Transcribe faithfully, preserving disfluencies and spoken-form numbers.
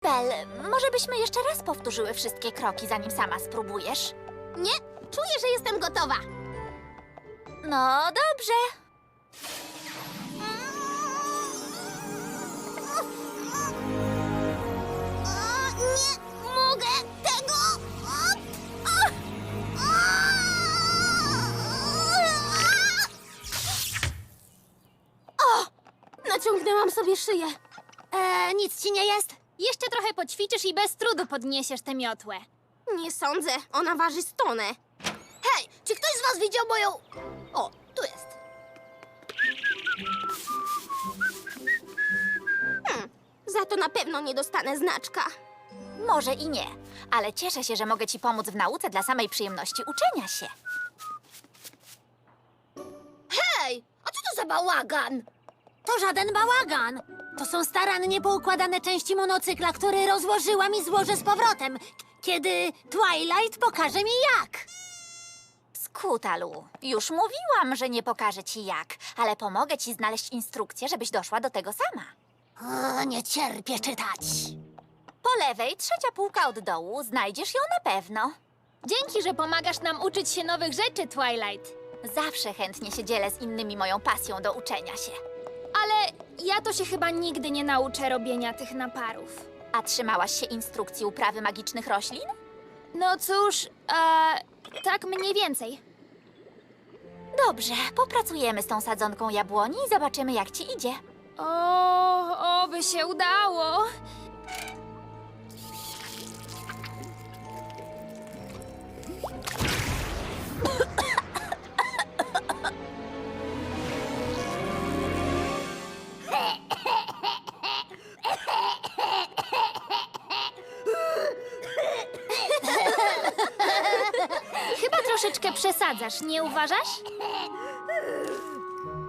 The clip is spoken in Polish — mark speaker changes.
Speaker 1: Bel, może byśmy jeszcze raz powtórzyły wszystkie kroki, zanim sama spróbujesz?
Speaker 2: Nie, czuję, że jestem gotowa.
Speaker 1: No dobrze.
Speaker 2: O, nie mogę tego. O, o, o. O, naciągnęłam sobie szyję. E, nic ci nie jest?
Speaker 3: Jeszcze trochę poćwiczysz i bez trudu podniesiesz tę miotłę.
Speaker 2: Nie sądzę, ona waży stonę. Hej, czy ktoś z was widział moją... O, tu jest. Hmm, za to na pewno nie dostanę znaczka.
Speaker 1: Może i nie, ale cieszę się, że mogę ci pomóc w nauce dla samej przyjemności uczenia się.
Speaker 2: Hej, a co to za bałagan?
Speaker 4: To żaden bałagan. To są starannie poukładane części monocykla, które rozłożyłam i złożę z powrotem, kiedy Twilight pokaże mi jak.
Speaker 1: Skutalu, już mówiłam, że nie pokażę ci jak, ale pomogę ci znaleźć instrukcję, żebyś doszła do tego sama.
Speaker 4: O, nie cierpię czytać.
Speaker 1: Po lewej, trzecia półka od dołu, znajdziesz ją na pewno.
Speaker 3: Dzięki, że pomagasz nam uczyć się nowych rzeczy, Twilight.
Speaker 1: Zawsze chętnie się dzielę z innymi moją pasją do uczenia się.
Speaker 3: Ale ja to się chyba nigdy nie nauczę robienia tych naparów.
Speaker 1: A trzymałaś się instrukcji uprawy magicznych roślin?
Speaker 3: No cóż, e, tak mniej więcej.
Speaker 1: Dobrze, popracujemy z tą sadzonką jabłoni i zobaczymy, jak ci idzie.
Speaker 3: O, oby się udało. Chyba troszeczkę przesadzasz, nie uważasz?